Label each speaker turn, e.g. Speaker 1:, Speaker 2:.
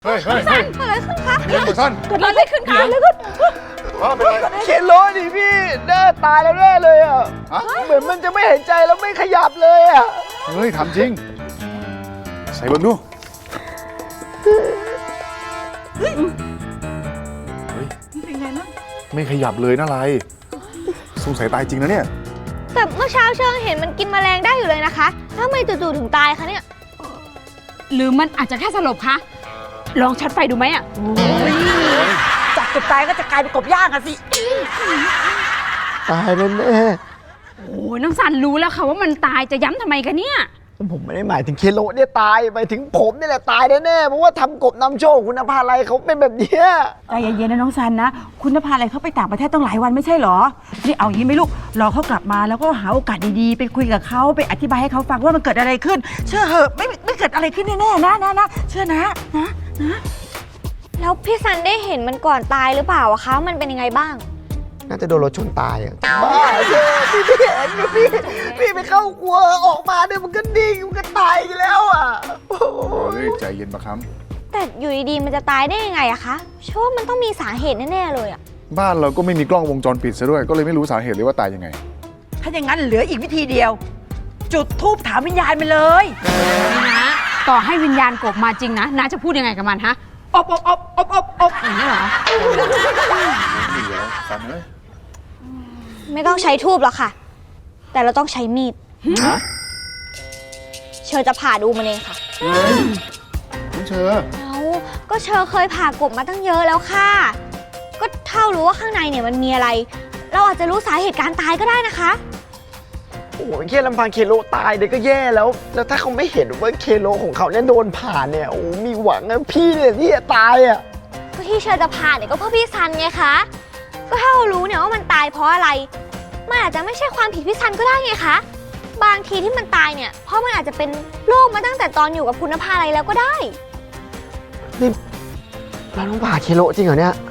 Speaker 1: เฮ้ยเฮ้ย
Speaker 2: เกิดอะไรขึ้นคะ
Speaker 1: เรื่องสั้น
Speaker 2: เกิดอะไรขึ้นคะอะไรขึ้น
Speaker 1: ว่าเป็นไร
Speaker 3: เคนโรดิพี่แน่ตายแล้วแน่เลยอ่ะ
Speaker 1: ฮะ
Speaker 3: เหมือนมันจะไม่หายใจแล้วไม่ขยับเลยอ่ะ
Speaker 1: เฮ้ยถามจริง ใส่เบิ้งดูเฮ้ย
Speaker 2: เป็นไงบ้าง
Speaker 1: ไม่ขยับเลยนะไรสงสัยตายจริงนะเนี่ย
Speaker 4: แต่เมื่อเช้าเชิงเห็นมันกินแมลงได้อยู่เลยนะคะแล้วทำไมจู่ๆถึงตายคะเนี่ย
Speaker 2: หรือมันอาจจะแค่สลบคะลองชัดไฟดูไหมอ่ะ
Speaker 5: จากกบตายก็จะกลายเป็นกบย่างอะสิ
Speaker 3: ตายแน่
Speaker 2: โอ้ยน้องสันรู้แล้วค่ะว่ามันตายจะย้ำทำไมกันเนี่ย
Speaker 3: ๆผมไม่ได้หมายถึงเคนโรเนี่ยตายหมายถึงผมนี่แหละตายแน่ๆเพราะว่าทำกบนำโชคคุณภาอะไรเขาเป็นแบบเนี้ย
Speaker 5: ใจเย็นๆนะน้องซันนะ คุณพาอะไรเขาไปต่างประเทศต้องหลายวันไม่ใช่เหรอ นี่เอาอย่างนี้ไหมลูก รอเขากลับมาแล้วก็หาโอกาสดีๆ ไปคุยกับเขาไปอธิบายให้เขาฟังว่ามันเกิดอะไรขึ้น เชื่อเหอะไม่เกิดอะไรขึ้นแน่ๆนะเชื่อนะนะ
Speaker 4: แล้วพี่ซันได้เห็นมันก่อนตายหรือเปล่าอะคะมันเป็นยังไงบ้าง
Speaker 3: น่าจะโดนรถชนตายอ่ะบ้าเจ้พี่ไม่เห็นนะพี่ไปเข้าครัวออกมาเนี่ยมันก็ดิ่งมันก็ตายอีกแล้วอ่ะโอ้โห
Speaker 1: เฮ้ยใจเย็นปะครับ
Speaker 4: แต่อยู่ดีๆมันจะตายได้ยังไงอะคะเชื่อว่ามันต้องมีสาเหตุแน่ๆเลยอะ
Speaker 1: บ้านเราก็ไม่มีกล้องวงจรปิดซะด้วย ก็เลยไม่รู้สาเหตุเลยว่าตายยังไง
Speaker 5: ถ้าอย่างนั้นเหลืออีกวิธีเดียว จุดธูปถามวิญญาณมันเลย
Speaker 2: นะต่อให้วิญญาณกบมาจริงนะน้าจะพูดยังไงกับมันฮะอบอย่างนี้เหรอ
Speaker 1: นี่เหรอสันเอ้ย
Speaker 4: ไม่ต้องใช้ทูบหรอกค่ะ แต่เราต้องใช้มีด
Speaker 1: ฮะ
Speaker 4: เชอจะผ่าดูมันเองค่ะ
Speaker 1: เฮ้ยน้องเชอ
Speaker 4: เอาก็เชอเคยผ่ากบมาตั้งเยอะแล้วค่ะ ก็เท่ารู้ว่าข้างในเนี่ยมันมีอะไร เราอาจจะรู้สาเหตุการตายก็ได้นะคะ
Speaker 3: โอ้โหแค่ลำพังเคโรตายเนี่ยก็แย่แล้ว แล้วถ้าเขาไม่เห็นว่าเคโรของเขาเนี่ยโดนผ่านเนี่ยโอ้มีหวังนะพี่เนี่ยที่จะตายอ่ะ
Speaker 4: ก็ที่เชอจะผ่าเนี่ยก็เพราะพี่ซันไงคะ ก็ถ้าเรารู้เนี่ยว่ามันตายเพราะอะไร มันอาจจะไม่ใช่ความผิดพี่ซันก็ได้ไงคะ บางทีที่มันตายเนี่ย เพราะมันอาจจะเป็นโรคมาตั้งแต่ตอนอยู่กับคุณภาอะไรแล้วก็ได้
Speaker 3: เราต้องผ่าเคโรจริงเหรอเนี่ย